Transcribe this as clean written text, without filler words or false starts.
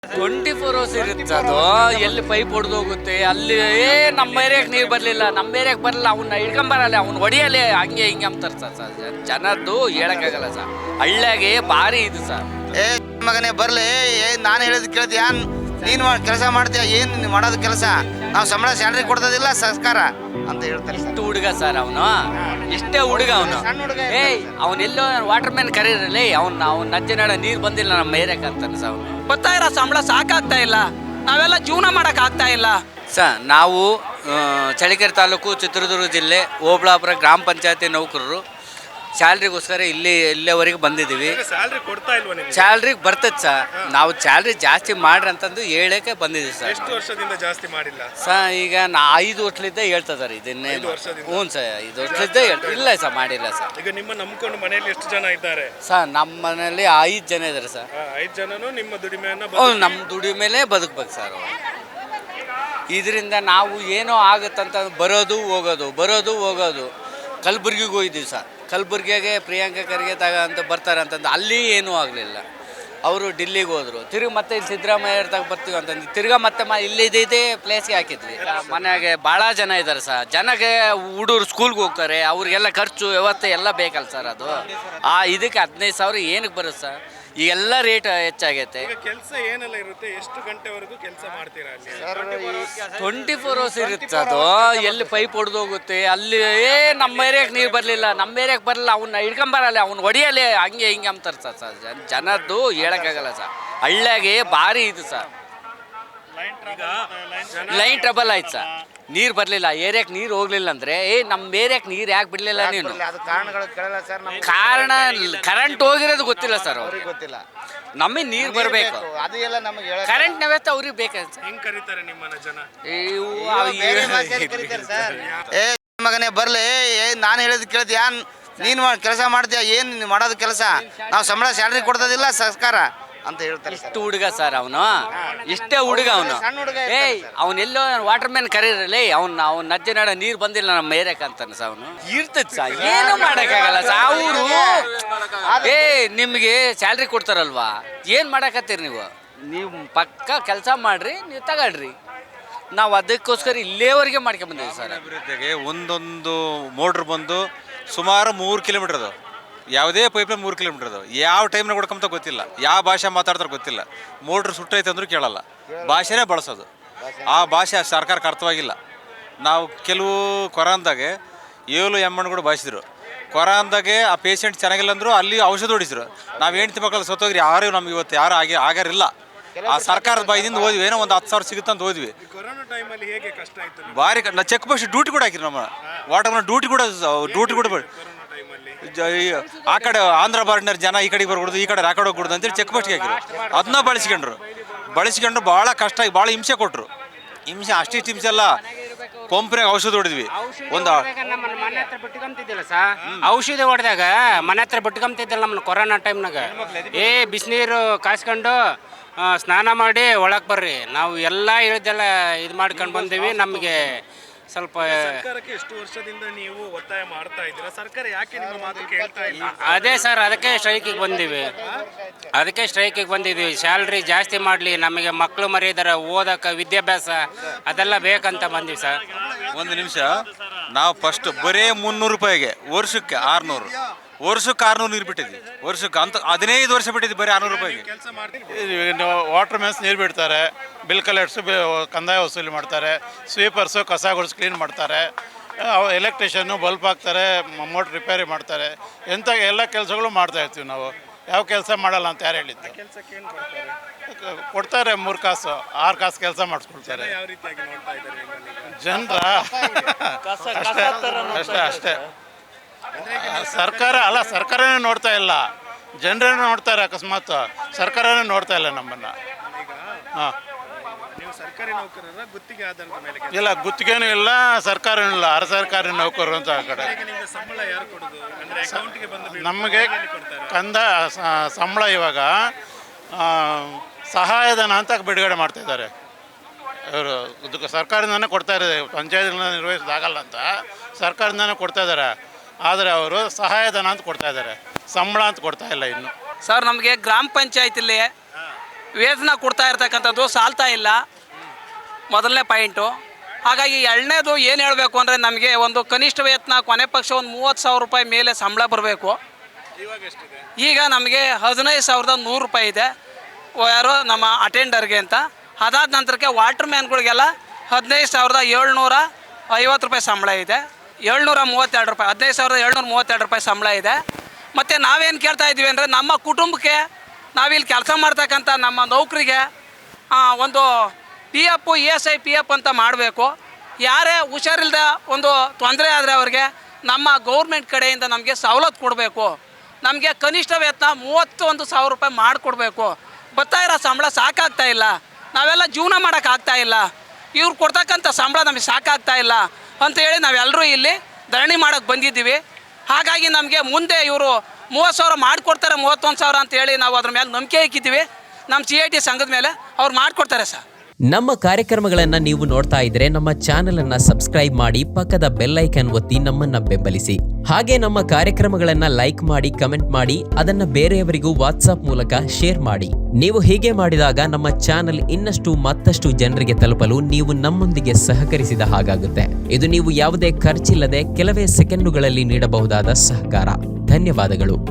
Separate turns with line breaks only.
24 hours ಇರುತ್ತೆ ಅದು. ಎಲ್ಲಿ ಪೈಪ್ ಹೊಡೆದು ಹೋಗುತ್ತೆ ಅಲ್ಲಿ ನಮ್ಮ ಏರಿಯಾಕ್ಕೆ ನೀರು ಬರಲಿಲ್ಲ, ನಮ್ಮ ಏರಿಯಾಕ್ಕೆ ಬರಲ್ಲ, ಅವನ್ನ ಹಿಡ್ಕೊಂಬರಲ್ಲ, ಅವ್ನು ಹೊಡಿಯಲ್ಲ, ಹಂಗೆ ಹಿಂಗೆ ಅಂತಾರೆ ಸರ್. ಜನದ್ದು ಹೇಳೋಕ್ಕಾಗಲ್ಲ ಸರ್. ಹಳ್ಳಿಯಾಗೆ ಭಾರಿ ಇದು ಸರ್.
ಮಗನೇ ಬರಲಿ, ನಾನು ಹೇಳಿದ್ ಕೇಳ್ತೀಯ? ನೀನು ಕೆಲಸ ಮಾಡ್ತೀಯ, ಏನು ಮಾಡೋದು ಕೆಲಸ? ನಾವು ಸಂಬಳ ಸ್ಯಾಲ್ರಿ ಕೊಡ್ತದಿಲ್ಲ ಸರ್ಕಾರ ಅಂತ ಹೇಳ್ತಾರೆ.
ಇಷ್ಟು ಹುಡುಗ ಸರ್ ಅವನು, ಇಷ್ಟೇ ಹುಡುಗ ಅವನು. ಅವನೆಲ್ಲೋ ವಾಟರ್ ಮ್ಯಾನ್ ಕರೀರಲ್ಲಿ ಅವ್ನು ನಜ್ಜನಾಡ ನೀರು ಬಂದಿಲ್ಲ ನಮ್ಮ ಏರಿಯಾಕ್ಕೆ ಅಂತಾನೆ ಸರ್. ಅವನು
ಬರ್ತಾ ಇರೋ ಸಂಬಳ ಸಾಕಾಗ್ತಾ ಇಲ್ಲ, ನಾವೆಲ್ಲ ಜೀವನ ಮಾಡಕ್ ಆಗ್ತಾ ಇಲ್ಲ
ಸರ್. ನಾವು ಚಳ್ಳಕೆರೆ ಚಿತ್ರದುರ್ಗ ಜಿಲ್ಲೆ ಓಬಳಾಪುರ ಗ್ರಾಮ ಪಂಚಾಯತಿ ನೌಕರರು. ಸ್ಯಾಲ್ರಿಗೋಸ್ಕರ ಇಲ್ಲಿವರೆಗೆ ಬಂದಿದ್ದೀವಿ. ಸ್ಯಾಲ್ರಿಗೆ ಬರ್ತದೆ ಸರ್. ನಾವು ಸ್ಯಾಲ್ರಿ ಜಾಸ್ತಿ ಮಾಡ್ರಿ ಅಂತಂದು ಹೇಳಕ್ಕೆ ಬಂದಿದ್ದೀವಿ ಸರ್.
ಎಷ್ಟು ವರ್ಷದಿಂದ ಜಾಸ್ತಿ ಮಾಡಿಲ್ಲ
ಸರ್? ಈಗ 5 ವರ್ಷಲಿದ್ದ ಹೇಳ್ತಿದ್ದಾರೆ ಇದನ್ನೇ. ಹ್ಞೂ ಸರ್, 5 ವರ್ಷಲಿದ್ದ ಇಲ್ಲ ಸರ್, ಮಾಡಿಲ್ಲ ಸರ್.
ಈಗ ನಿಮ್ಮ ನಂಬ್ಕೊಂಡು ಮನೆಯಲ್ಲಿ ಎಷ್ಟು ಜನ ಇದ್ದಾರೆ
ಸರ್? ನಮ್ಮ ಮನೆಯಲ್ಲಿ 5 ಜನ ಇದ್ದಾರೆ ಸರ್.
5 ಜನನು ನಿಮ್ಮ ದುಡಿಮೆಯನ್ನ
ನಮ್ಮ ದುಡಿಮೆಲೆ ಬದುಕ್ಬೇಕು ಸರ್. ಇದರಿಂದ ನಾವು ಏನೋ ಆಗುತ್ತಂತ ಬರೋದು ಹೋಗೋದು. ಕಲಬುರ್ಗಿಗೆ ಹೋಗಿದ್ದೀವಿ ಸರ್. ಕಲಬುರ್ಗಿಗೆ ಪ್ರಿಯಾಂಕಾ ಖರ್ಗೆ ಅಂತ ಬರ್ತಾರೆ ಅಂತಂದು ಅಲ್ಲಿ ಏನೂ ಆಗಲಿಲ್ಲ. ಅವರು ಡಿಲ್ಲಿಗೆ ಹೋದರು. ತಿರುಗಿ ಮತ್ತೆ ಇಲ್ಲಿ ಸಿದ್ದರಾಮಯ್ಯ ಬರ್ತೀವಿ ಅಂತಂದು ತಿರ್ಗಾ ಮತ್ತೆ ಇಲ್ಲಿದ್ದೇ ಪ್ಲೇಸ್ಗೆ ಹಾಕಿದ್ವಿ. ಮನೆಯಾಗೆ ಭಾಳ ಜನ ಇದ್ದಾರೆ ಸರ್. ಜನಕ್ಕೆ ಹುಡುಗರು ಸ್ಕೂಲ್ಗೆ ಹೋಗ್ತಾರೆ, ಅವ್ರಿಗೆಲ್ಲ ಖರ್ಚು ವ್ಯವಸ್ಥೆ ಎಲ್ಲ ಬೇಕಲ್ಲ ಸರ್. ಅದು ಇದಕ್ಕೆ 15,000 ಏನಕ್ಕೆ ಬರುತ್ತೆ ಸರ್? ಈಗೆಲ್ಲ ರೇಟ್ ಹೆಚ್ಚಾಗೈತೆ.
ಕೆಲಸ ಏನೆಲ್ಲ ಇರುತ್ತೆ? ಎಷ್ಟು ಗಂಟೆವರೆಗೂ ಕೆಲಸ ಮಾಡ್ತೀರಾ ಅಲ್ಲಿ?
24 ಅವರ್ಸ್ ಇರುತ್ತೆ ಅದು. ಎಲ್ಲಿ ಪೈಪ್ ಹೊಡೆದು ಹೋಗುತ್ತೆ ಅಲ್ಲಿ ನಮ್ಮ ಏರಿಯಾಕ್ಕೆ ನೀರು ಬರಲಿಲ್ಲ, ನಮ್ಮ ಏರಿಯಾಕ್ಕೆ ಬರಲ್ಲ, ಅವನ್ನ ಹಿಡ್ಕೊಂಬರಲ್ಲ, ಅವ್ನು ಹೊಡಿಯಲ್ಲ, ಹಂಗೆ ಹಿಂಗೆ ಅಂತಾರೆ ಸರ್. ಜನದ್ದು ಹೇಳೋಕ್ಕಾಗಲ್ಲ ಸರ್. ಹಳ್ಳಿಯಾಗೆ ಭಾರಿ ಇದು ಸರ್. ಲೈನ್ ಟ್ರಬಲ್ ಆಯ್ತು ಸರ್. ನೀರು ಬರಲಿಲ್ಲ, ಏರಿಯಾಕ್ಕೆ ನೀರು ಹೋಗ್ಲಿಲ್ಲ ಅಂದರೆ ನಮ್ಮ ಏರಿಯಾಕ್ಕೆ ನೀರು ಯಾಕೆ ಬಿಡಲಿಲ್ಲ ನೀನು? ಕಾರಣ ಕರೆಂಟ್ ಹೋಗಿರೋದು ಗೊತ್ತಿಲ್ಲ ಸರ್. ಅವ್ರಿಗೆ
ಗೊತ್ತಿಲ್ಲ.
ನಮಗೆ ನೀರು ಬರಬೇಕು, ಕರೆಂಟ್ ವ್ಯವಸ್ಥೆ ಅವ್ರಿಗೆ ಬೇಕಾಗುತ್ತೆ ಸರ್.
ಹೆಂಗ್ ಕರೀತಾರೆ ನಿಮ್ಮನ್ನ ಜನ?
ಮಗನೇ ಬರಲಿ, ನಾನು ಹೇಳಿದ್ ಕೇಳ್ತೀಯ? ನೀನು ಕೆಲಸ ಮಾಡ್ತೀಯ, ಏನು ಮಾಡೋದು ಕೆಲಸ? ನಾವು ಸಂಬಳ ಸ್ಯಾಲ್ರಿ ಕೊಡ್ತದಿಲ್ಲ ಸರ್ಕಾರ ಅಂತ ಹೇಳ್ತಾರೆ.
ಇಷ್ಟು ಹುಡುಗ ಸರ್ ಅವನು, ಇಷ್ಟೇ ಹುಡುಗ ಅವನು. ಅವನೆಲ್ಲೋ ವಾಟರ್ ಮ್ಯಾನ್ ಕರೀರಲ್ಲಿ ಅವ್ನು ನಜ್ಜನಾಡ ನೀರು ಬಂದಿಲ್ಲ ನಮ್ಮ ಏರಿಯಾಕ್ಕೆ ಅಂತಾನೆ ಸರ್. ಅವನು ಇರ್ತದೆ ಸರ್, ಏನೂ ಮಾಡೋಕ್ಕಾಗಲ್ಲ ಸರ್. ಅವರು ನಿಮಗೆ ಸ್ಯಾಲ್ರಿ ಕೊಡ್ತಾರಲ್ವಾ, ಏನು ಮಾಡಕತ್ತೀರಿ ನೀವು ಪಕ್ಕ ಕೆಲಸ ಮಾಡ್ರಿ, ನೀವು ತಗೊಳ್ರಿ. ನಾವು ಅದಕ್ಕೋಸ್ಕರ ಇಲ್ಲೇವರೆಗೆ ಮಾಡ್ಕೊಂಬಂದಿದ್ದೀವಿ ಸರ್.
ಅಭಿವೃದ್ಧಿಗೆ ಒಂದೊಂದು ಮೋಟ್ರ್ ಬಂದು ಸುಮಾರು 3 ಕಿಲೋಮೀಟರ್ ಅದು. ಯಾವುದೇ ಪೈಪ್ಲೈನ್ 3 ಕಿಲೋಮೀಟರ್ ಅದು. ಯಾವ ಟೈಮ್ನಾಗ ಹೊಡ್ಕೊಂತ ಗೊತ್ತಿಲ್ಲ, ಯಾವ ಭಾಷೆ ಮಾತಾಡ್ತಾರೆ ಗೊತ್ತಿಲ್ಲ. ಮೋಟ್ರ್ ಸುಟ್ಟೈತೆ ಅಂದ್ರೂ ಕೇಳಲ್ಲ, ಭಾಷೆನೇ ಬಳಸೋದು. ಆ ಭಾಷೆ ಸರ್ಕಾರಕ್ಕೆ ಅರ್ಥವಾಗಿಲ್ಲ. ನಾವು ಕೆಲವು ಕೊರೋನಾದಾಗೆ 7 ಎಮ್ಮಣ್ಣಗಳು ಭಾಷಿದ್ರು. ಕೊರೋನಾದಾಗೆ ಆ ಪೇಷಂಟ್ ಚೆನ್ನಾಗಿಲ್ಲ ಅಂದರು, ಅಲ್ಲಿ ಔಷಧ ಹೊಡಿಸಿದ್ರು. ನಾವು ಹೆಂಡ್ತಿ ಮಕ್ಕಳು ಸತ್ತೋಗ್ರಿ, ಯಾರು ನಮ್ಗೆ ಇವತ್ತು ಯಾರು ಆಗ್ಯಾರಿಲ್ಲ. ಆ ಸರ್ಕಾರದ ಬಾಯಿದಿಂದ ಹೋದ್ವಿ, ಏನೋ ಒಂದು 10,000 ಸಿಗುತ್ತೆ ಅಂತ ಹೋದ್ವಿ.
ಕೊರೋನಾ ಟೈಮಲ್ಲಿ ಹೇಗೆ ಕಷ್ಟ ಆಯ್ತು?
ಭಾರಿ ನಾ ಚೆಕ್ ಪೋಸ್ಟ್ ಡ್ಯೂಟಿ ಕೂಡ ಹಾಕಿರಿ. ನಮ್ಮ ವಾಟರ್ ಡ್ಯೂಟಿ ಕೂಡ ಆ ಕಡೆ ಆಂಧ್ರ ಬಾರ್ಡರ್ ಜನ ಈ ಕಡೆಗೆ ಬರ್ಕೊಡ್ದು, ಈ ಕಡೆ ಆ ಕಡೆ ಹೋಗ್ಬಿಡ್ದು ಅಂತೇಳಿ ಚೆಕ್ ಪೋಸ್ಟ್ಗೆ ಹಾಕಿರು. ಅದನ್ನ ಬಳಸ್ಕೊಂಡ್ರು ಭಾಳ ಕಷ್ಟ ಆಗಿ ಭಾಳ ಹಿಂಸೆ ಕೊಟ್ಟರು. ಅಷ್ಟಿಷ್ಟು ಹಿಂಸೆ ಅಲ್ಲ, ಪಂಪ್ನಾಗ ಔಷಧ ಹೊಡಿದ್ವಿ. ಒಂದು
ಮನೆ ಹತ್ರ ಬಿಟ್ಕೊಂತಿದ್ದಿಲ್ಲ ಸರ್. ಔಷಧಿ ಹೊಡೆದಾಗ ಮನೆ ಹತ್ರ ಬಿಟ್ಕೊಂತಿದ್ದಿಲ್ಲ ನಮ್ಮನ್ನ ಕೊರೋನಾ ಟೈಮ್ನಾಗ. ಬಿಸಿನೀರು ಕಾಯ್ಸ್ಕೊಂಡು ಸ್ನಾನ ಮಾಡಿ ಒಳಗೆ ಬರ್ರಿ, ನಾವು ಎಲ್ಲ ಹೇಳಿದ್ದೆಲ್ಲ ಇದು ಮಾಡ್ಕೊಂಡು ಬಂದೀವಿ. ನಮಗೆ ಸ್ವಲ್ಪ
ಸರ್ಕಾರಕ್ಕೆ ಎಷ್ಟು ವರ್ಷದಿಂದ ನೀವು ಒತ್ತಾಯ ಮಾಡ್ತಾ ಇದ್ದೀರಾ? ಸರ್ಕಾರ ಯಾಕೆ ನಿಮ್ಮ ಮಾತು ಕೇಳ್ತಾ ಇಲ್ಲ?
ಅದೇ ಸರ್, ಅದಕ್ಕೆ ಸ್ಟ್ರೈಕಿಗೆ ಬಂದಿದ್ದೀವಿ. ಸ್ಯಾಲ್ರಿ ಜಾಸ್ತಿ ಮಾಡಲಿ, ನಮಗೆ ಮಕ್ಕಳು ಮರಿದಾರೆ, ಓದಕ್ಕೆ ವಿದ್ಯಾಭ್ಯಾಸ ಅದೆಲ್ಲ ಬೇಕಂತ ಬಂದೀವಿ ಸರ್.
ಒಂದು ನಿಮಿಷ, ನಾವು ಫಸ್ಟ್ ಬರೀ 300 ರೂಪಾಯಿಗೆ ವರ್ಷಕ್ಕೆ 600, ವರ್ಷಕ್ಕೆ 600 ನೀರು ಬಿಟ್ಟಿದ್ವಿ. ವರ್ಷಕ್ಕೆ ಅಂತ 15 ವರ್ಷ ಬಿಟ್ಟಿದ್ವಿ ಬರೀ 600 ರೂಪಾಯಿಗೆ.
ಕೆಲಸ ಮಾಡ್ತೀವಿ.
ವಾಟರ್ ಮ್ಯಾನ್ಸ್ ನೀರು ಬಿಡ್ತಾರೆ, ಬಿಲ್ ಕಲೆಕ್ಟ್ಸು ಕಂದಾಯ ವಸೂಲಿ ಮಾಡ್ತಾರೆ, ಸ್ವೀಪರ್ಸು ಕಸ ಗುಡಿಸಿ ಕ್ಲೀನ್ ಮಾಡ್ತಾರೆ, ಎಲೆಕ್ಟ್ರಿಷಿಯನ್ನು ಬಲ್ಪ್ ಹಾಕ್ತಾರೆ, ಮೋಟ್ರ್ ರಿಪೇರಿ ಮಾಡ್ತಾರೆ. ಎಂಥ ಎಲ್ಲ ಕೆಲಸಗಳು ಮಾಡ್ತಾಯಿರ್ತೀವಿ ನಾವು. ಯಾವ ಕೆಲಸ ಮಾಡಲ್ಲ ಅಂತ ಯಾರು ಹೇಳಿದ್ದು?
ಕೆಲಸಕ್ಕೆ ಏನು ಕೊಡ್ತಾರೆ?
ಕೊಡ್ತಾರೆ 3 ಕಾಸು 6 ಕಾಸು ಕೆಲಸ ಮಾಡಿಸ್ಕೊಳ್ತಾರೆ.
ಯಾವ ರೀತಿಯಾಗಿ ನೋಡ್ತಾ ಇದ್ದಾರೆ
ಜನರ ಅಷ್ಟೇ. ಸರ್ಕಾರನೇ ನೋಡ್ತಾ ಇಲ್ಲ, ಜನರೇ ನೋಡ್ತಾರೆ. ಅಕಸ್ಮಾತ್ ಸರ್ಕಾರನೇ ನೋಡ್ತಾ ಇಲ್ಲ ನಮ್ಮನ್ನು. ಹಾಂ,
ನೀವು ಸರ್ಕಾರಿ ನೌಕರರ ಗುತ್ತಿಗೆ ಆಧಾರದ ಮೇಲೆ?
ಇಲ್ಲ, ಗುತ್ತಿಗೆನೂ ಇಲ್ಲ, ಸರ್ಕಾರನೂ ಇಲ್ಲ, ಅರ ಸರ್ಕಾರಿ ನೌಕರರು ಅಂತ ಆ ಕಡೆ.
ನಿಮ್ಗೆ ಸಂಬಳ ಯಾರು ಕೊಡೋದು? ಅಂದ್ರೆ ಅಕೌಂಟ್ಗೆ ಬಂದು
ನಮಗೆ ಸಂಬಳ ಇವಾಗ ಸಹಾಯಧನ ಅಂತ ಬಿಡುಗಡೆ ಮಾಡ್ತಾಯಿದ್ದಾರೆ ಇವರು. ಸರ್ಕಾರದಿಂದನೇ ಕೊಡ್ತಾ ಇದ್ದಾರೆ, ಪಂಚಾಯತ್ಗಳನ್ನ ನಿರ್ವಹಿಸೋದಾಗಲ್ಲ ಅಂತ ಸರ್ಕಾರದಿಂದನೇ ಕೊಡ್ತಾ ಇದ್ದಾರೆ. ಆದರೆ ಅವರು ಸಹಾಯಧನ ಅಂತ ಕೊಡ್ತಾ ಇದ್ದಾರೆ, ಸಂಬಳ ಅಂತ ಕೊಡ್ತಾ ಇಲ್ಲ ಇನ್ನು.
ಸರ್, ನಮಗೆ ಗ್ರಾಮ ಪಂಚಾಯತಿಲಿ
ವೇತನ ಕೊಡ್ತಾ ಇರ್ತಕ್ಕಂಥದ್ದು ಸಾಲ್ತಾ ಇಲ್ಲ, ಮೊದಲನೇ ಪಾಯಿಂಟು. ಹಾಗಾಗಿ ಎರಡನೇದು ಏನು ಹೇಳಬೇಕು ಅಂದರೆ ನಮಗೆ ಒಂದು ಕನಿಷ್ಠ ವೇತನ ಕೊನೆ ಪಕ್ಷ ಒಂದು 30,000 ರೂಪಾಯಿ ಮೇಲೆ ಸಂಬಳ ಬರಬೇಕು. ಈಗ ನಮಗೆ 15,100 ರೂಪಾಯಿ ಇದೆ, ಯಾರು ನಮ್ಮ ಅಟೆಂಡರ್ಗೆ ಅಂತ. ಅದಾದ ನಂತರಕ್ಕೆ ವಾಟರ್ ಮ್ಯಾನ್ಗಳಿಗೆಲ್ಲ 15,750 ರೂಪಾಯಿ ಸಂಬಳ ಇದೆ, 732 ರೂಪಾಯಿ, 15,732 ರೂಪಾಯಿ ಸಂಬಳ ಇದೆ. ಮತ್ತು ನಾವೇನು ಕೇಳ್ತಾ ಇದ್ದೀವಿ ಅಂದರೆ ನಮ್ಮ ಕುಟುಂಬಕ್ಕೆ ನಾವಿಲ್ಲಿ ಕೆಲಸ ಮಾಡ್ತಕ್ಕಂಥ ನಮ್ಮ ನೌಕರಿಗೆ ಒಂದು PF ESI PF ಅಂತ ಮಾಡಬೇಕು. ಯಾರೇ ಹುಷಾರಿಲ್ಲದ ಒಂದು ತೊಂದರೆ ಆದರೆ ಅವ್ರಿಗೆ ನಮ್ಮ ಗೌರ್ಮೆಂಟ್ ಕಡೆಯಿಂದ ನಮಗೆ ಸವಲತ್ತು ಕೊಡಬೇಕು. ನಮಗೆ ಕನಿಷ್ಠ ವೇತನ 31,000 ರೂಪಾಯಿ ಮಾಡಿಕೊಡ್ಬೇಕು. ಬರ್ತಾ ಇರೋ ಸಂಬಳ ಸಾಕಾಗ್ತಾ ಇಲ್ಲ, ನಾವೆಲ್ಲ ಜೀವನ ಮಾಡೋಕ್ಕಾಗ್ತಾ ಇಲ್ಲ, ಇವ್ರು ಕೊಡ್ತಕ್ಕಂಥ ಸಂಬಳ ನಮಗೆ ಸಾಕಾಗ್ತಾ ಇಲ್ಲ ಅಂತೇಳಿ ನಾವೆಲ್ಲರೂ ಇಲ್ಲಿ ಧರಣಿ ಮಾಡೋಕ್ಕೆ ಬಂದಿದ್ದೀವಿ. ಹಾಗಾಗಿ ನಮಗೆ ಮುಂದೆ ಇವರು 30,000 ಮಾಡಿಕೊಡ್ತಾರೆ, 31,000 ಅಂತೇಳಿ ನಾವು ಅದ್ರ ಮೇಲೆ ನಂಬಿಕೆ ಇಕ್ಕಿದ್ದೀವಿ. ನಮ್ಮ CIT ಸಂಘದ ಮೇಲೆ ಅವ್ರು ಮಾಡಿಕೊಡ್ತಾರೆ ಸರ್.
ನಮ್ಮ ಕಾರ್ಯಕ್ರಮಗಳನ್ನು ನೀವು ನೋಡ್ತಾ ಇದ್ರೆ ನಮ್ಮ ಚಾನೆಲ್ ಅನ್ನ ಸಬ್ಸ್ಕ್ರೈಬ್ ಮಾಡಿ, ಪಕ್ಕದ ಬೆಲ್ ಐಕನ್ ಒತ್ತಿ ನಮ್ಮನ್ನ ಬೆಂಬಲಿಸಿ. ಹಾಗೆ ನಮ್ಮ ಕಾರ್ಯಕ್ರಮಗಳನ್ನ ಲೈಕ್ ಮಾಡಿ, ಕಮೆಂಟ್ ಮಾಡಿ, ಅದನ್ನ ಬೇರೆಯವರಿಗೂ ವಾಟ್ಸ್ಆಪ್ ಮೂಲಕ ಶೇರ್ ಮಾಡಿ. ನೀವು ಹೀಗೆ ಮಾಡಿದಾಗ ನಮ್ಮ ಚಾನೆಲ್ ಇನ್ನಷ್ಟು ಮತ್ತಷ್ಟು ಜನರಿಗೆ ತಲುಪಲು ನೀವು ನಮ್ಮೊಂದಿಗೆ ಸಹಕರಿಸಿದ ಹಾಗಾಗುತ್ತೆ. ಇದು ನೀವು ಯಾವುದೇ ಖರ್ಚಿಲ್ಲದೆ ಕೆಲವೇ ಸೆಕೆಂಡುಗಳಲ್ಲಿ ನೀಡಬಹುದಾದ ಸಹಕಾರ. ಧನ್ಯವಾದಗಳು.